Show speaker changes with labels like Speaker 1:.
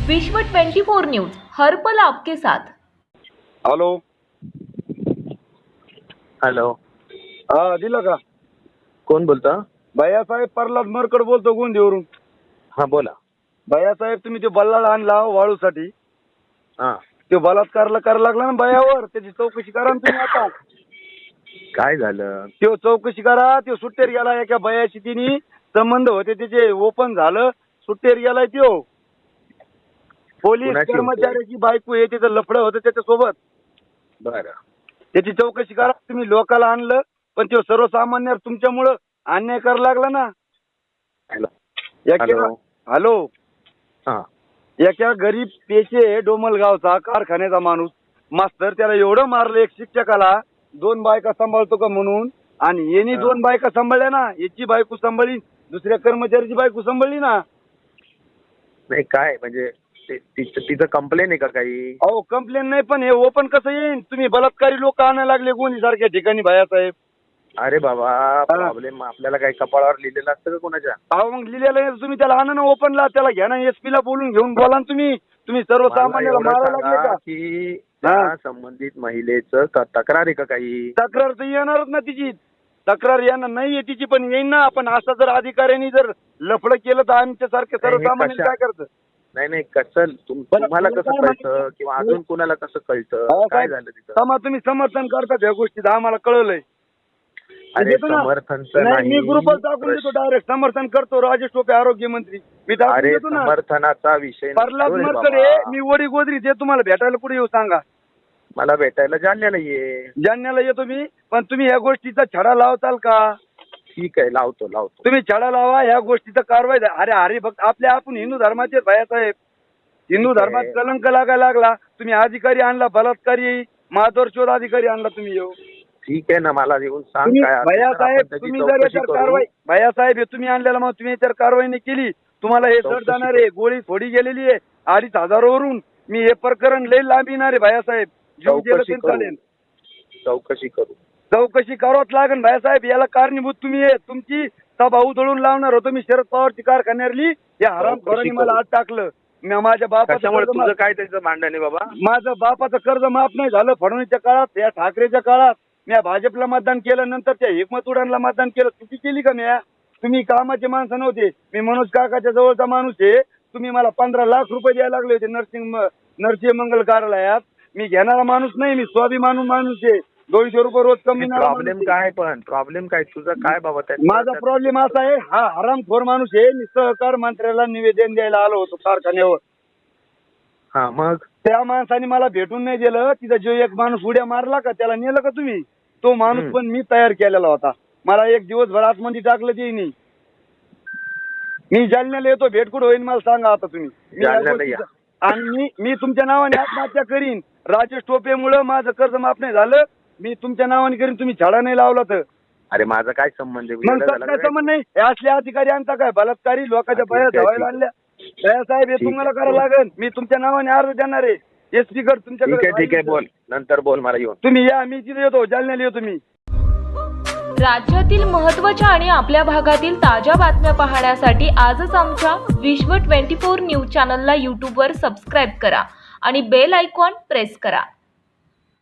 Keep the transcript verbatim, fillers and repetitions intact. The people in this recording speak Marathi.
Speaker 1: विश्व चौबीस न्यूज हर पल आपके साथ।
Speaker 2: हॅलो
Speaker 3: हॅलो
Speaker 2: हा दिला का?
Speaker 3: कोण बोलता?
Speaker 2: भैयासाहेब प्रल्हाद मरकड बोलतो गोंदिवरून।
Speaker 3: हा बोला।
Speaker 2: भैयासाहेब तुम्ही तो बल्लाळ आणला वाळूसाठी,
Speaker 3: हा
Speaker 2: तो बलात्कारला करायला लागला ना भैयावर, त्याची चौकशी करा ना तुम्ही आता।
Speaker 3: काय झालं?
Speaker 2: तो चौकशी करा। तो सुट्टेर गेला एका भैयाशी, तिने संबंध होते त्याचे, ओपन झालं, सुट्टेर गेलाय तो। पोलीस
Speaker 3: कुणाची होते?
Speaker 2: कर्मचाऱ्याची बायको आहे, त्याचं लफडं होतं त्याच्यासोबत।
Speaker 3: बरं
Speaker 2: त्याची चौकशी करा। तुम्ही लोकाला आणलं, पण तो सर्वसामान्य तुमच्यामुळं अन्याय करायला लागला ना।
Speaker 3: हॅलो
Speaker 2: एका
Speaker 3: हॅलो
Speaker 2: हॅलो
Speaker 3: हा
Speaker 2: एका गरीब पेशे डोमलगावचा कारखान्याचा माणूस मास्तर, त्याला एवढं मारलं एक शिक्षकाला, दोन बायका सांभाळतो का म्हणून, आणि यांनी
Speaker 3: हा.
Speaker 2: दोन बायका सांभाळल्या ना, याची बायको सांभाळली, दुसऱ्या कर्मचाऱ्याची बायको सांभाळली ना।
Speaker 3: नाही काय म्हणजे ते- तिचं तिचं कंप्लेन आहे का काही?
Speaker 2: अहो कंप्लेन नाही, पण हे ओपन कसं येईन? तुम्ही बलात्कारी लोक आणायला लागले गोंदी सारख्या ठिकाणी भैयासाहेब।
Speaker 3: अरे बाबा प्रॉब्लेम आपल्याला काही कपाळावर लिहिलेलं असतं का कोणाच्या?
Speaker 2: अहो मग लिहिलेलं आहे, तुम्ही त्याला आणा ना ओपनला, त्याला घ्या ना, एसपी ला बोलून घेऊन बोला ना तुम्ही। तुम्ही
Speaker 3: मला
Speaker 2: सर्वसामान्याला
Speaker 3: एवढं
Speaker 2: मारायला लागले
Speaker 3: सांगा
Speaker 2: का?
Speaker 3: की
Speaker 2: हा.
Speaker 3: त्या संबंधित महिलेचं क- तक्रार आहे का काही?
Speaker 2: तक्रार तर येणारच ना तिची, तक्रार येणार नाहीये तिची, पण येईन ना। आपण असं जर अधिकाऱ्यांनी जर लफडं केलं तर आमच्या सारखे
Speaker 3: नाही, हे
Speaker 2: सर्वसामान्य
Speaker 3: कशा-
Speaker 2: काय करतं?
Speaker 3: नाही नाही कसं तुम-
Speaker 2: बरं,
Speaker 3: तुम्हाला
Speaker 2: तुला
Speaker 3: कसं
Speaker 2: काय
Speaker 3: कळतं
Speaker 2: माहिती?
Speaker 3: किंवा अजून कोणाला कसं कळतं?
Speaker 2: अहो,
Speaker 3: काय
Speaker 2: साहेब,
Speaker 3: झालं तिथं?
Speaker 2: समा तुम्ही समर्थन करतात या गोष्टीचं, आम्हाला कळलंय।
Speaker 3: अरे
Speaker 2: देतो ना.
Speaker 3: समर्थनचं
Speaker 2: नाही, मी
Speaker 3: नाही,
Speaker 2: ग्रुपवर टाकून देतो,
Speaker 3: प्रश्न-
Speaker 2: डायरेक्ट समर्थन करतो राजेश टोपे आरोग्यमंत्री, मी टाकून
Speaker 3: अरे
Speaker 2: देतो ना।
Speaker 3: समर्थनाचा विषय
Speaker 2: प्रल्हाद
Speaker 3: नसतो रे
Speaker 2: मरकडे
Speaker 3: बाबा.
Speaker 2: मी वडी गोदरी ते तुम्हाला भेटायला कुठे येऊ सांगा?
Speaker 3: मला भेटायला जालन्याला ये.
Speaker 2: जालन्याला येतो मी, पण तुम्ही या गोष्टीचा छडा लावताल का?
Speaker 3: ठीक आहे लावतो लावतो.
Speaker 2: तुम्ही छडा लावा, ह्या गोष्टीचा कारवाई द्या। अरे अरे भक्त आपल्या, आपण हिंदू धर्माचे भैयासाहेब, हिंदू
Speaker 3: ठीक आहे.
Speaker 2: धर्मात कलंक लागायला लागला। तुम्ही अधिकारी आणला, बलात्कारी माधवर शोध अधिकारी आणला तुम्ही येऊ।
Speaker 3: ठीक आहे ना, मला येऊन सांग
Speaker 2: तुम्ही
Speaker 3: काय असेल तर
Speaker 2: भैयासाहेब,
Speaker 3: आपण त्याची
Speaker 2: तुम्ही जर
Speaker 3: चौकशी
Speaker 2: याच्यावर
Speaker 3: करू.
Speaker 2: कारवाई, भैयासाहेब हे तुम्ही आणलेला, मग तुम्ही याच्यावर कारवाई नाही केली, तुम्हाला हे सड
Speaker 3: चौकशी
Speaker 2: जाणार आहे। गोळी थोडी गेलेली आहे अडीच हजारावरून, मी हे प्रकरण लई लांब येणार आहे भैयासाहेब। जीव गेलं
Speaker 3: चौकशी
Speaker 2: तरी
Speaker 3: करू
Speaker 2: चालेल,
Speaker 3: चौकशी करू.
Speaker 2: चौकशी करावंच लागेल भैयासाहेब। याला कारणीभूत तुम्ही आहे, तुमची सभा उधळून लावणार होतो मी शरद पवारची कारखान्यावरली, या हरामखोरांनी
Speaker 3: चौकशी
Speaker 2: मला
Speaker 3: करू.
Speaker 2: आत टाकलं। मी माझ्या बापाचं
Speaker 3: कशामुळे
Speaker 2: कर्ज
Speaker 3: तुझं
Speaker 2: माफ-
Speaker 3: काय त्याचं भांडण आहे बाबा?
Speaker 2: माझं बापाचं कर्ज माफ नाही झालं फडणवीसच्या काळात, या ठाकरेच्या काळात। मी भाजपला मतदान केलं, नंतर त्या हिकमत उडानला मतदान केलं, चुकी केली का म्या? तुम्ही कामाचे माणसं नव्हते, मी मनोज काकाच्या जवळचा माणूस आहे। तुम्ही मला पंधरा लाख रुपये द्यायला लागले होते नर्सिंग नरसिंह मंगल कार्यालयात, मी घेणारा माणूस नाही, मी स्वाभिमानू माणूस आहे। दोनशे रुपये रोज कमी
Speaker 3: प्रॉब्लेम काय? पण प्रॉब्लेम काय तुझं काय बाबा? त्या-
Speaker 2: माझा प्रॉब्लेम असा आहे, हा हरामखोर माणूस आहे। मी सहकार मंत्र्याला निवेदन द्यायला आलो होतो कारखान्यावर,
Speaker 3: हा मग
Speaker 2: त्या माणसाने मला भेटून नाही दिलं। तिथं जो एक माणूस उड्या मारला का, त्याला नेलं का तुम्ही? तो माणूस
Speaker 3: हम्म.
Speaker 2: पण मी तयार केलेला होता। मला एक दिवसभर आतमध्ये टाकलं ते नाही। मी जालन्याला येतो, भेट कुठं होईल मला सांगा आता तुम्ही। मी या
Speaker 3: जालन्याला या.
Speaker 2: गोष्टीचं- आणि मी मी तुमच्या नावाने आत्महत्या करीन। राजेश टोपेमुळं माझं कर्ज माफ नाही झालं, मी तुमच्या नावाने करीन, तुम्ही छडा नाही लावला तर।
Speaker 3: अरे माझा काय संबंध आहे?
Speaker 2: मग
Speaker 3: वेडा झाला
Speaker 2: काय
Speaker 3: का
Speaker 2: संबंध नाही? हे असले अधिकारी आणता काय? बलात्कारी लोकांच्या
Speaker 3: ठीक आहे,
Speaker 2: बया
Speaker 3: ठीक
Speaker 2: धवायला
Speaker 3: आहे.
Speaker 2: आणल्या। साहेब हे
Speaker 3: ठीक
Speaker 2: तुम्हाला
Speaker 3: आहे.
Speaker 2: करावं लागेल, मी तुमच्या नावाने अर्ज देणार आहे एसपी कड
Speaker 3: ठीक आहे ठीक आहे
Speaker 2: तुमच्याकडे।
Speaker 3: बोल, नंतर बोल मला येऊन.
Speaker 2: तुम्ही या, मी तिथे येतो, जालन्याला येतो मी।
Speaker 1: राज्यातील महत्त्वाच्या आणि आपल्या भागातील ताज्या बातम्या पाहण्यासाठी आजच आमच्या विश्व चोवीस न्यूज चॅनलला यूट्यूबवर सबस्क्राईब करा आणि बेल आयकॉन प्रेस करा।